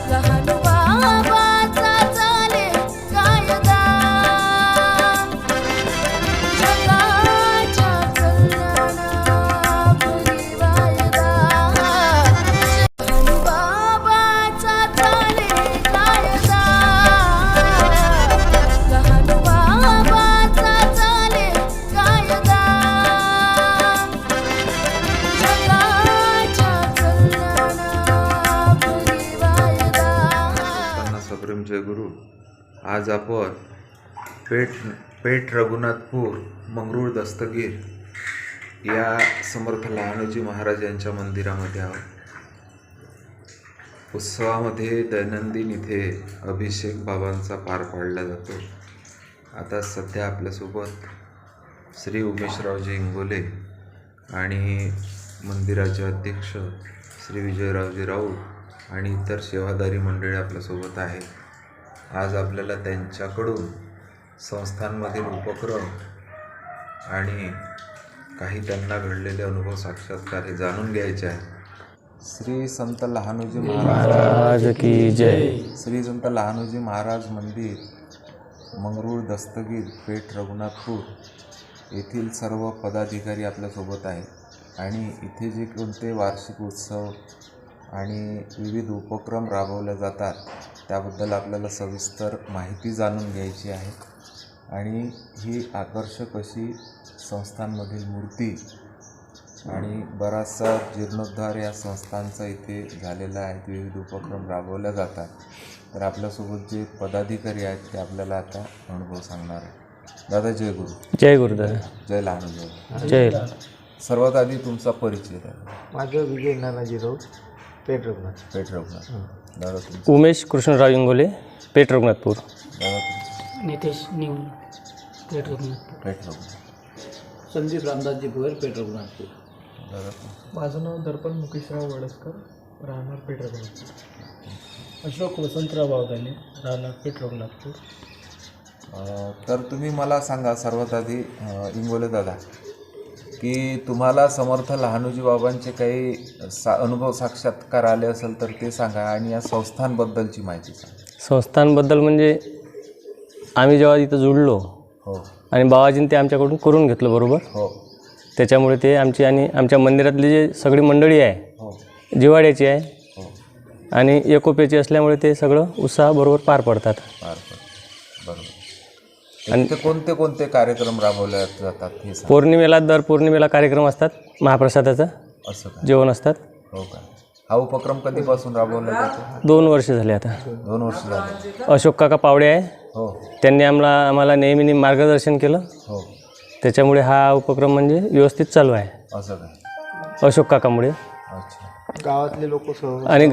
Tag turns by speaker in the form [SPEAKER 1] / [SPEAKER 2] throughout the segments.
[SPEAKER 1] लहान बाबाचा चाले कायदा जगाच्या कल्याणापुरी वायदा लहान बाबाचा चाले कायदा लहान बाबाचा चाले कायदा
[SPEAKER 2] सप्रेम जय गुरु. आज आपण पेठ रघुनाथपूर मंगरूळ दस्तगीर या समर्थ लहानोजी महाराज यांच्या मंदिरामध्ये आहोत. उत्सवामध्ये दैनंदिन इथे अभिषेक बाबांचा पार पाडला जातो. आता सध्या आपल्यासोबत श्री उमेशरावजी इंगोले आणि मंदिराचे अध्यक्ष श्री विजयरावजी राऊत आणि इतर सेवादारी मंडळी आपल्यासोबत आहेत. आज आपल्याला त्यांच्याकडून संस्थांमधील उपक्रम आणि काही त्यांना घडलेले अनुभव साक्षात्कार हे जाणून घ्यायचे आहे. श्री संत लहानोजी महाराज
[SPEAKER 3] की जय.
[SPEAKER 2] श्री संत लहानोजी महाराज मंदिर मंगरूळ दस्तगीर पेठ रघुनाथपूर येथील सर्व पदाधिकारी आपल्यासोबत आहेत आणि इथे जे कोणते वार्षिक उत्सव आणि विविध उपक्रम राबवले जातात त्याबद्दल आपल्याला सविस्तर माहिती जाणून घ्यायची आहे. आणि ही आकर्षक अशी संस्थांमधील मूर्ती आणि बराचसा जीर्णोद्धार या संस्थांचा इथे झालेला आहे. विविध उपक्रम राबवले जातात. तर आपल्यासोबत जे पदाधिकारी आहेत ते आपल्याला आता अनुभव सांगणार आहे. दादा जय गुरु.
[SPEAKER 3] जय गुरुदादा.
[SPEAKER 2] जय लहानोजी.
[SPEAKER 3] जय.
[SPEAKER 2] सर्वात आधी तुमचा परिचय द्या.
[SPEAKER 4] माझं विजय नानाजी राऊत पेठ रघुनाथ.
[SPEAKER 2] दादा तुमचं.
[SPEAKER 3] उमेश कृष्णराव इंगोले पेठ रघुनाथपूर.
[SPEAKER 2] दादा तुमचं.
[SPEAKER 5] नितेश निवून पेठ रघुनाथपूर.
[SPEAKER 2] पेठ रघुनाथ.
[SPEAKER 4] संदीप रामदासजी भोयर पेठ रघुनाथपूर.
[SPEAKER 2] दादा तुमचं.
[SPEAKER 6] माझं नाव दर्पण मुकेशराव वडसकर, राहणार पेठ रघुनाथपूर.
[SPEAKER 5] अशोक वसंतराव बावदाने राहणार पेठ रघुनाथपूर.
[SPEAKER 2] तर तुम्ही मला सांगा सर्वात आधी इंगोले दादा की तुम्हाला समर्थ लहानोजी बाबांचे काही अनुभव साक्षात्कार आले असेल तर ते सांगा आणि या संस्थांबद्दलची माहिती सांगा.
[SPEAKER 3] संस्थांबद्दल म्हणजे आम्ही जेव्हा इथं जुळलो
[SPEAKER 2] हो
[SPEAKER 3] आणि बाबाजींनी ते आमच्याकडून करून घेतलं बरोबर.
[SPEAKER 2] हो
[SPEAKER 3] त्याच्यामुळे ते आमची आणि आमच्या मंदिरातली जे सगळी मंडळी आहे
[SPEAKER 2] हो
[SPEAKER 3] जिवाड्याची आहे
[SPEAKER 2] हो
[SPEAKER 3] आणि एकोप्याची असल्यामुळे ते सगळं उत्साह बरोबर पार पडतात.
[SPEAKER 2] बरोबर. आणि ते कोणते कोणते कार्यक्रम राबवले जातात हे सांगा.
[SPEAKER 3] पौर्णिमेला दर पौर्णिमेला कार्यक्रम असतात. महाप्रसादाचं
[SPEAKER 2] असं काय?
[SPEAKER 3] जेवण असतात.
[SPEAKER 2] हो का. हा उपक्रम कधीपासून राबवला जातो?
[SPEAKER 3] 2 वर्ष झाले आता.
[SPEAKER 2] 2 वर्ष झाले.
[SPEAKER 3] अशोक काका पावडे आहे
[SPEAKER 2] हो
[SPEAKER 3] त्यांनी आम्हाला नेहमी मार्गदर्शन केलं.
[SPEAKER 2] हो
[SPEAKER 3] त्याच्यामुळे हा उपक्रम म्हणजे व्यवस्थित चालू आहे.
[SPEAKER 2] असं काय.
[SPEAKER 3] अशोक काकामुळे.
[SPEAKER 2] अच्छा.
[SPEAKER 4] गावातले लोक
[SPEAKER 3] आणि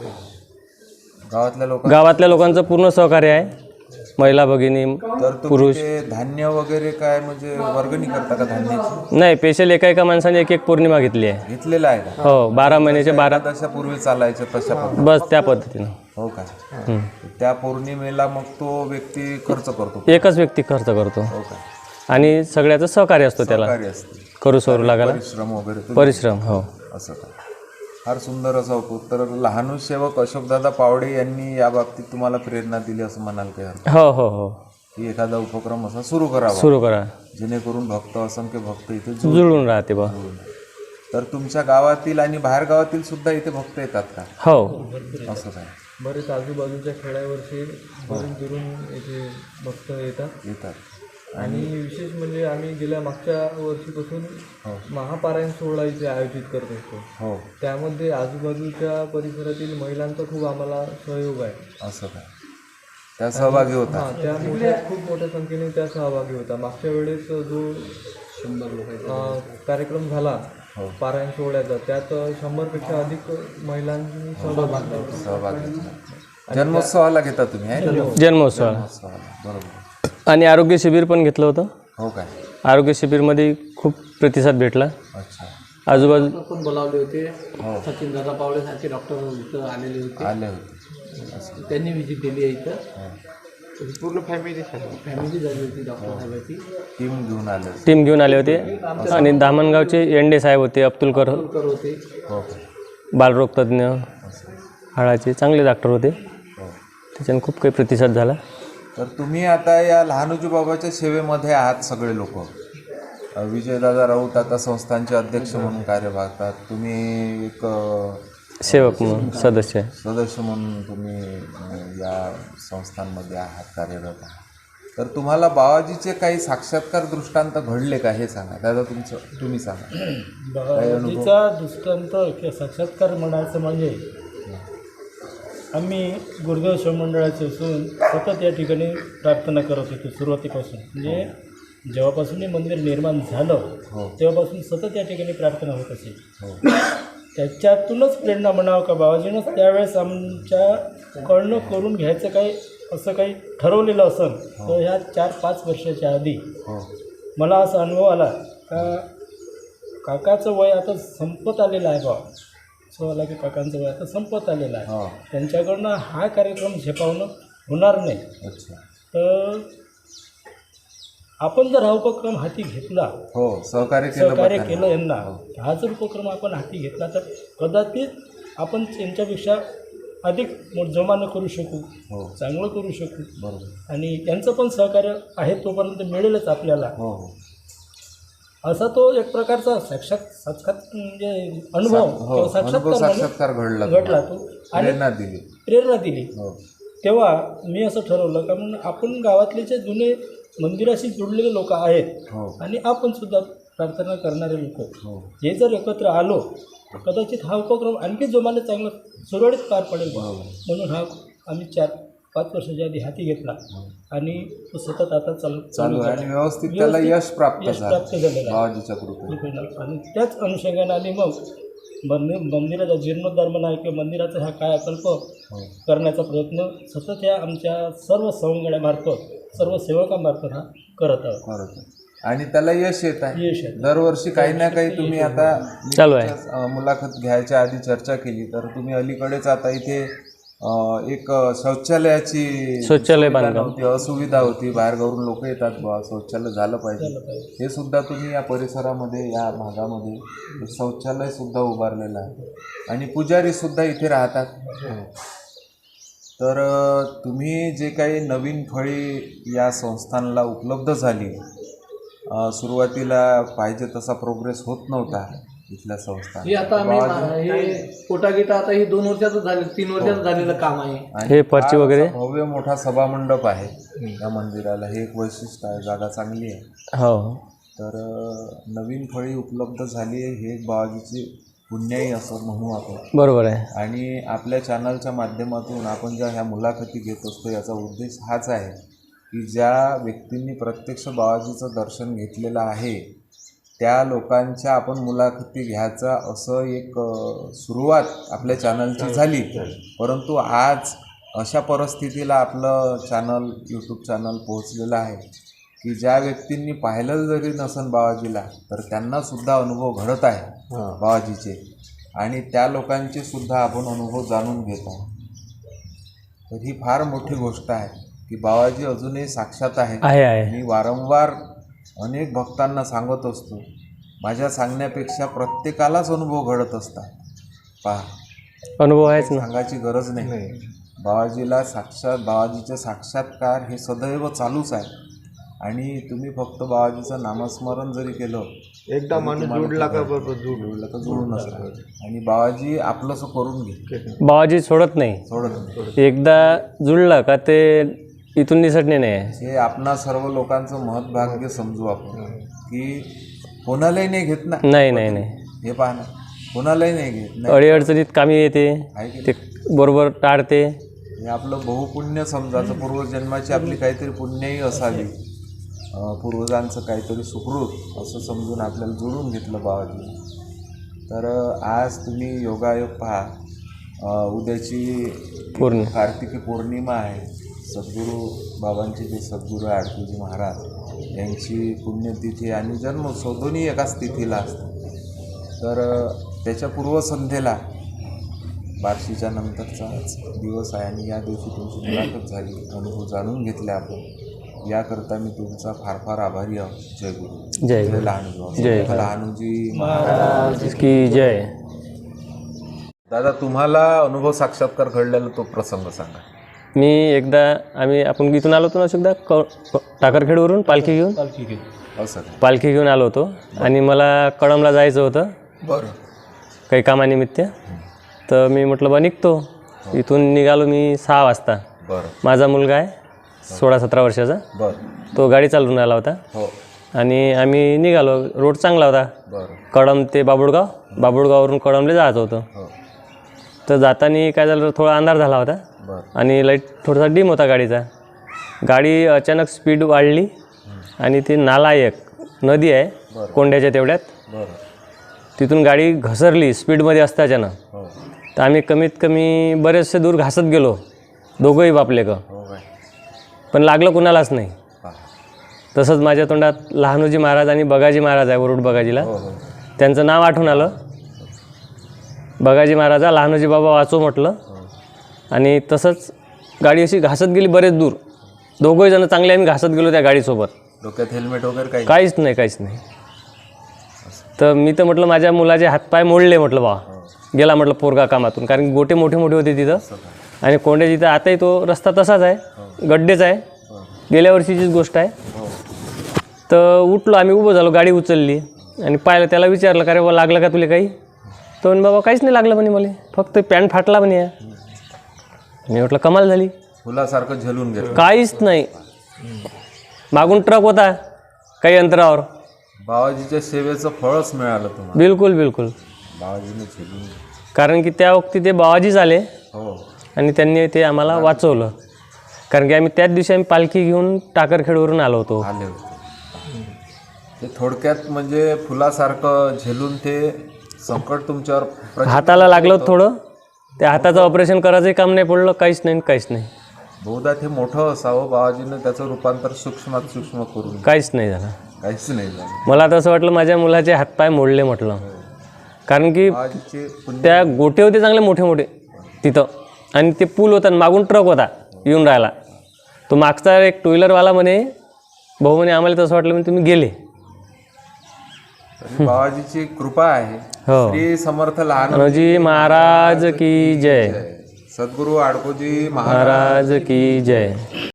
[SPEAKER 3] गावातल्या लोकांचं पूर्ण सहकार्य आहे. महिला भगिनी
[SPEAKER 2] तर तुम्ही
[SPEAKER 3] पुरुष
[SPEAKER 2] ते धान्य वगैरे काय म्हणजे वर्गणी करता का धान्याची?
[SPEAKER 3] नाही, स्पेशल एका माणसाने एक पौर्णिमा घेतली आहे.
[SPEAKER 2] घेतलेला आहे का?
[SPEAKER 3] हो, 12 महिन्याचे 12
[SPEAKER 2] पूर्वी चालायच्या तशा पद्धतीने.
[SPEAKER 3] बस त्या पद्धतीनं.
[SPEAKER 2] हो का. त्या पौर्णिमेला मग तो व्यक्ती खर्च करतो.
[SPEAKER 3] एकच व्यक्ती खर्च करतो
[SPEAKER 2] हो का.
[SPEAKER 3] आणि सगळ्याचं सहकार्य असतो त्याला.
[SPEAKER 2] सहकार्य असते.
[SPEAKER 3] करू सरू लागायला
[SPEAKER 2] परिश्रम वगैरे
[SPEAKER 3] परिश्रम. हो
[SPEAKER 2] असं का. फार सुंदर असा होतो. तर लहानू सेवक अशोकदादा पावडे यांनी या बाबतीत तुम्हाला प्रेरणा दिली असं म्हणाल काय?
[SPEAKER 3] हो हो हो.
[SPEAKER 2] की एखादा उपक्रम असा सुरू करा जेणेकरून असंख्य भक्त इथे
[SPEAKER 3] जुळून राहते बा.
[SPEAKER 2] तर तुमच्या गावातील आणि बाहेर गावातील सुद्धा इथे भक्त येतात का?
[SPEAKER 3] हो.
[SPEAKER 2] असं काय.
[SPEAKER 6] बरेच आजूबाजूच्या खेड्यावरचे बरेच दुरून इथे भक्त येतात. आणि विशेष म्हणजे आम्ही गेल्या मागच्या वर्षीपासून महापारायण सोहळा इथे आयोजित करत असतो.
[SPEAKER 2] हो.
[SPEAKER 6] त्यामध्ये आजूबाजूच्या परिसरातील महिलांचा खूप आम्हाला सहयोग आहे.
[SPEAKER 2] असं काय. त्या सहभागी होता.
[SPEAKER 6] त्या खूप मोठ्या संख्येने त्या सहभागी होता. मागच्या वेळेस जो 100 लोकांचा कार्यक्रम झाला पारायण सोहळ्याचा, त्यात 100पेक्षा अधिक महिलांनी सहभाग घेतला.
[SPEAKER 2] जन्मोत्सवाला घेता तुम्ही?
[SPEAKER 3] जन्मोत्सवाला.
[SPEAKER 2] बरोबर.
[SPEAKER 3] आणि आरोग्य शिबिर पण घेतलं होतं.
[SPEAKER 2] हो काय.
[SPEAKER 3] आरोग्य शिबिरमध्ये खूप प्रतिसाद भेटला.
[SPEAKER 2] अच्छा.
[SPEAKER 3] आजूबाजू
[SPEAKER 4] पण बोलावले होते. सचिन दादा पावडे सारखे डॉक्टर इथं आले होते. त्यांनी व्हिजिट दिली आहे इथं. पूर्ण फॅमिली झाली होती. डॉक्टर साहेबांची
[SPEAKER 2] टीम घेऊन
[SPEAKER 3] आले होते. आणि दामणगावचे एंडे साहेब होते. अब्दुलकर
[SPEAKER 4] होते.
[SPEAKER 2] हो.
[SPEAKER 3] बालरोग तज्ज्ञ. हाडाचे चांगले डॉक्टर होते,
[SPEAKER 2] हो.
[SPEAKER 3] त्याच्यानं खूप काही प्रतिसाद झाला.
[SPEAKER 2] तर तुम्ही आता या लहानोजी बाबाच्या सेवेमध्ये आहात सगळे लोक. विजयदादा राऊत आता संस्थांचे अध्यक्ष म्हणून कार्य पाहतात, तुम्ही एक
[SPEAKER 3] सेवक म्हणून सदस्य आहे.
[SPEAKER 2] सदस्य म्हणून तुम्ही या संस्थांमध्ये आहात, कार्यरत आहात. तर तुम्हाला बाबाजीचे काही साक्षात्कार दृष्टांत घडले का हे सांगा. दादा तुम्ही सांगा.
[SPEAKER 5] बाबाजीचा दृष्टांत किंवा साक्षात्कार म्हणायचं म्हणजे आम्ही गुरुदेव शिवमंडळाचे असून सतत या ठिकाणी प्रार्थना करत होतो सुरुवातीपासून. म्हणजे जेव्हापासून हे मंदिर निर्माण झालं तेव्हापासून सतत या ठिकाणी प्रार्थना होत असेल. त्याच्यातूनच प्रेरणा म्हणावं का बाबाजीनंच त्यावेळेस आमच्याकडनं करून घ्यायचं काही असं काही ठरवलेलं असेल तर ह्या 4-5 वर्षाच्या आधी मला असा अनुभव आला का काकाचं वय आता संपत आलेलं आहे. बा असं आला की काकांचं वय आता संपत आलेलं आहे, त्यांच्याकडनं हा कार्यक्रम झेपावणं होणार नाही. तर आपण जर हा उपक्रम हाती घेतला, सहकार्य केलं यांना, हा जर उपक्रम आपण हाती घेतला तर कदाचित आपण त्यांच्यापेक्षा अधिक जोमानं करू शकू, चांगलं करू शकू. आणि यांचं पण सहकार्य आहे तोपर्यंत मिळेलच आपल्याला. असा तो एक प्रकारचा साक्षात्कार म्हणजे अनुभव साक्षात्कार घडला तो आणि प्रेरणा दिली. तेव्हा मी असं ठरवलं का म्हणून आपण गावातले जे जुने मंदिराशी जुडलेले लोक आहेत आणि आपण सुद्धा प्रार्थना करणारे लोक हे जर एकत्र आलो तर कदाचित हा उपक्रम आणखी जोमाने चांगला सुरळीत पार पडेल. म्हणून हा आम्ही 4-5 वर्षाच्या आधी हाती घेतला आणि तो सतत आता चालू
[SPEAKER 2] आणि व्यवस्थित त्याला यश प्राप्त
[SPEAKER 5] झालेलं आहे. आणि त्याच अनुषंगाने आम्ही मग मंदिराचा जीर्णोद्धार म्हणा किंवा मंदिराचा हा कायाकल्प करण्याचा प्रयत्न सतत या आमच्या सर्व सवंगड्यामार्फत, सर्व सेवकांमार्फत हा करत आहोत.
[SPEAKER 2] आणि त्याला यश येत आहे. दरवर्षी काही ना काही तुम्ही आता
[SPEAKER 3] चालू आहे.
[SPEAKER 2] मुलाखत घ्यायच्या आधी चर्चा केली तर तुम्ही अलीकडेच आता इथे एक शौचालय बांधकाम असुविधा होती, बाहेरगावरून लोक येतात, शौचालय झालं पाहिजे. हे सुद्धा तुम्ही या परिसरामध्ये, या भागामध्ये शौचालय सुद्धा उभारलेलं आहे आणि पुजारी सुद्धा इथे राहतात. तर तुम्ही जे काही नवीन फळी या संस्थांना उपलब्ध झाली, सुरुवातीला पाहिजे तसा प्रोग्रेस होत नव्हता इथल्या संस्था.
[SPEAKER 4] आता आम्ही पोटागिटा आता ही 2 वर्षाचं झालं, 3 वर्षाचं झालेलं काम आहे.
[SPEAKER 3] हे पर्ची वगैरे
[SPEAKER 2] भव्य मोठा सभामंडप आहे या मंदिराला. हे एक वैशिष्ट्य आहे, जागा चांगली आहे.
[SPEAKER 3] हो.
[SPEAKER 2] तर नवीन फळी उपलब्ध झाली आहे, हे एक बाबाजीची पुण्याई असं म्हणू आपण.
[SPEAKER 3] बरोबर आहे.
[SPEAKER 2] आणि आपल्या चॅनलच्या माध्यमातून आपण ज्या ह्या मुलाखती घेत असतो याचा उद्देश हाच आहे की ज्या व्यक्तींनी प्रत्यक्ष बाबाजीचं दर्शन घेतलेलं आहे त्या लोकांच्या आपण मुलाखती घ्यायचा असं एक सुरुवात आपल्या चॅनलची झाली. परंतु आज अशा परिस्थितीला आपलं चॅनल, यूट्यूब चॅनल पोहोचलेलं आहे की ज्या व्यक्तींनी पाहिलं जरी नसन बाबाजीला तर त्यांनासुद्धा अनुभव घडत आहे बाबाजीचे, आणि त्या लोकांचे सुद्धा आपण अनुभव जाणून घेत आहोत. तर ही फार मोठी गोष्ट आहे की बाबाजी अजूनही साक्षात आहे. मी वारंवार अनेक भक्तांना सांगत असतो, माझ्या सांगण्यापेक्षा प्रत्येकालाच अनुभव घडत असतात. पहा,
[SPEAKER 3] अनुभव आहेच ना,
[SPEAKER 2] सांगायची गरज नाही. बाबाजीचे साक्षात्कार हे सदैव चालूच आहे. आणि तुम्ही फक्त बाबाजीचं नामस्मरण जरी केलं,
[SPEAKER 6] एकदा माणूस जोडला का
[SPEAKER 2] जोडून असतं. आणि बाबाजी आपलंसं करून घे,
[SPEAKER 3] बाबाजी सोडत नाही. एकदा जुळला का ते इथून निसटणे नाही.
[SPEAKER 2] हे आपणा सर्व लोकांचं महत्भाग्य समजू आपण की कोणालाही नाही घेत ना.
[SPEAKER 3] नाही.
[SPEAKER 2] हे पहा ना, कोणालाही नाही घेत.
[SPEAKER 3] अडीअडचणीत कामी येते, ते बरोबर टाळते.
[SPEAKER 2] हे आपलं बहुपुण्य समजायचं, पूर्वजन्माची आपली काहीतरी पुण्यही असावी, पूर्वजांचं काहीतरी सुकृत असं समजून आपल्याला जोडून घेतलं बाबाजी. तर आज तुम्ही योगायोग पहा, उद्याची कार्तिकी पौर्णिमा आहे. सद्गुरू बाबांचे जे सद्गुरू आहे आडकीजी महाराज यांची पुण्यतिथी आणि जन्मोत्सव दोन्ही एकाच तिथीला असतात. तर त्याच्या पूर्वसंध्येला बार्शीच्या नंतरचाच दिवस आहे आणि या दिवशी तुमची मुलाखत झाली, अनुभव जाणून घेतले आपण. याकरता मी तुमचा फार फार आभारी आहोत. जय गुरु, जय लहानूजी महाराज की जय. दादा तुम्हाला अनुभव साक्षात्कार घडलेला तो प्रसंग सांगा.
[SPEAKER 3] मी एकदा आपण इथून आलो होतो ना एकदा टाकरखेडवरून पालखी घेऊन
[SPEAKER 2] असं
[SPEAKER 3] पालखी घेऊन आलो होतो आणि मला कळमला जायचं होतं
[SPEAKER 2] बरं.
[SPEAKER 3] काही कामानिमित्त. तर मी म्हटलं बा निघतो. इथून निघालो मी 6 वाजता.
[SPEAKER 2] बरं
[SPEAKER 3] माझा मुलगा आहे 16-17 वर्षाचा.
[SPEAKER 2] बरं.
[SPEAKER 3] तो गाडी चालवून आला होता
[SPEAKER 2] हो
[SPEAKER 3] आणि आम्ही निघालो. रोड चांगला होता.
[SPEAKER 2] बरं.
[SPEAKER 3] कळम ते बाबुळगाववरून कळमले जायचं होतं.
[SPEAKER 2] हो
[SPEAKER 3] तर जाताना काय झालं, थोडा अंधार झाला होता
[SPEAKER 2] बरं.
[SPEAKER 3] आणि लाईट थोडासा डिम होता गाडीचा. गाडी अचानक स्पीड वाढली आणि ती नाला एक नदी आहे कोंड्याच्या तेवढ्यात,
[SPEAKER 2] बरं.
[SPEAKER 3] तिथून गाडी घसरली स्पीडमध्ये असताना.
[SPEAKER 2] हो
[SPEAKER 3] तर आम्ही कमीत कमी बरेचसे दूर घासत गेलो दोघंही बापले का,
[SPEAKER 2] हो काय.
[SPEAKER 3] पण लागलं कुणालाच नाही.
[SPEAKER 2] हा.
[SPEAKER 3] तसंच माझ्या तोंडात लहानोजी महाराज आणि बगाजी महाराज आहे वरुड बगाजीला,
[SPEAKER 2] हो हो
[SPEAKER 3] त्यांचं नाव आठवून आलं. बगाजी महाराजा लहानोजी बाबा वाचो म्हटलं. आणि तसंच गाडी अशी घासत गेली बरेच दूर. दोघंही जण चांगले आम्ही घासत गेलो त्या गाडीसोबत.
[SPEAKER 2] डोक्यात हेल्मेट वगैरे काही
[SPEAKER 3] काहीच नाही. तर मी तर म्हटलं माझ्या मुलाचे हातपाय मोडले म्हटलं बा, गेला म्हटलं पोरगा कामातून. कारण गोटे मोठे मोठे होते तिथं आणि कोंड्या तिथं. आताही तो रस्ता तसाच आहे, गड्डेच आहे, गेल्या वर्षीचीच गोष्ट आहे. तर उठलो आम्ही, उभं झालो, गाडी उचलली आणि पाहिलं. त्याला विचारलं का रे बाबा लागलं का तुला काही? तो म्हणे बाबा काहीच नाही लागलं म्हणे, मला फक्त पॅन्ट फाटला म्हणे. मी म्हटलं कमाल झाली,
[SPEAKER 2] फुलासारखं झेलून गेलं.
[SPEAKER 3] काहीच नाही. मागून ट्रक होता काही अंतरावर.
[SPEAKER 2] बाबाजीच्या सेवेचं फळच मिळालं तुम्हाला.
[SPEAKER 3] बिलकुल
[SPEAKER 2] बाबाजीने झेलून गेलं.
[SPEAKER 3] कारण की त्या वक्ती ते बाबाजीच आले
[SPEAKER 2] हो
[SPEAKER 3] आणि त्यांनी ते आम्हाला वाचवलं. कारण की आम्ही त्याच दिवशी आम्ही पालखी घेऊन टाकरखेडवरून आलो होतो.
[SPEAKER 2] आले होते. ते थोडक्यात म्हणजे फुलासारखं झेलून ते संकट तुमच्यावर
[SPEAKER 3] हाताला लागलं होतं थोडं. त्या हाताचं ऑपरेशन करायचंही काम नाही पडलं, काहीच नाही.
[SPEAKER 2] बहुधा ते मोठं असावं, बाबाजीनं त्याचं रूपांतर सूक्ष्मात सूक्ष्म करून
[SPEAKER 3] काहीच नाही झालं.
[SPEAKER 2] काहीच नाही झालं.
[SPEAKER 3] मला तर असं वाटलं माझ्या मुलाचे हातपाय मोडले म्हटलं. कारण की
[SPEAKER 2] बाबाजीचे पुण्य.
[SPEAKER 3] त्या गोटे होते चांगले मोठे मोठे तिथं आणि ते पूल होता आणि मागून ट्रक होता येऊन राहिला. तो मागचा एक टू व्हीलरवाला म्हणे, भाऊ म्हणे आम्हाला तसं वाटलं म्हणे तुम्ही गेले.
[SPEAKER 2] बाबाजीची कृपा आहे.
[SPEAKER 3] हो.
[SPEAKER 2] श्री समर्थ लहान
[SPEAKER 3] लहानोजी महाराज की जय.
[SPEAKER 2] सद्गुरू आडकोजी
[SPEAKER 3] महाराज की जय.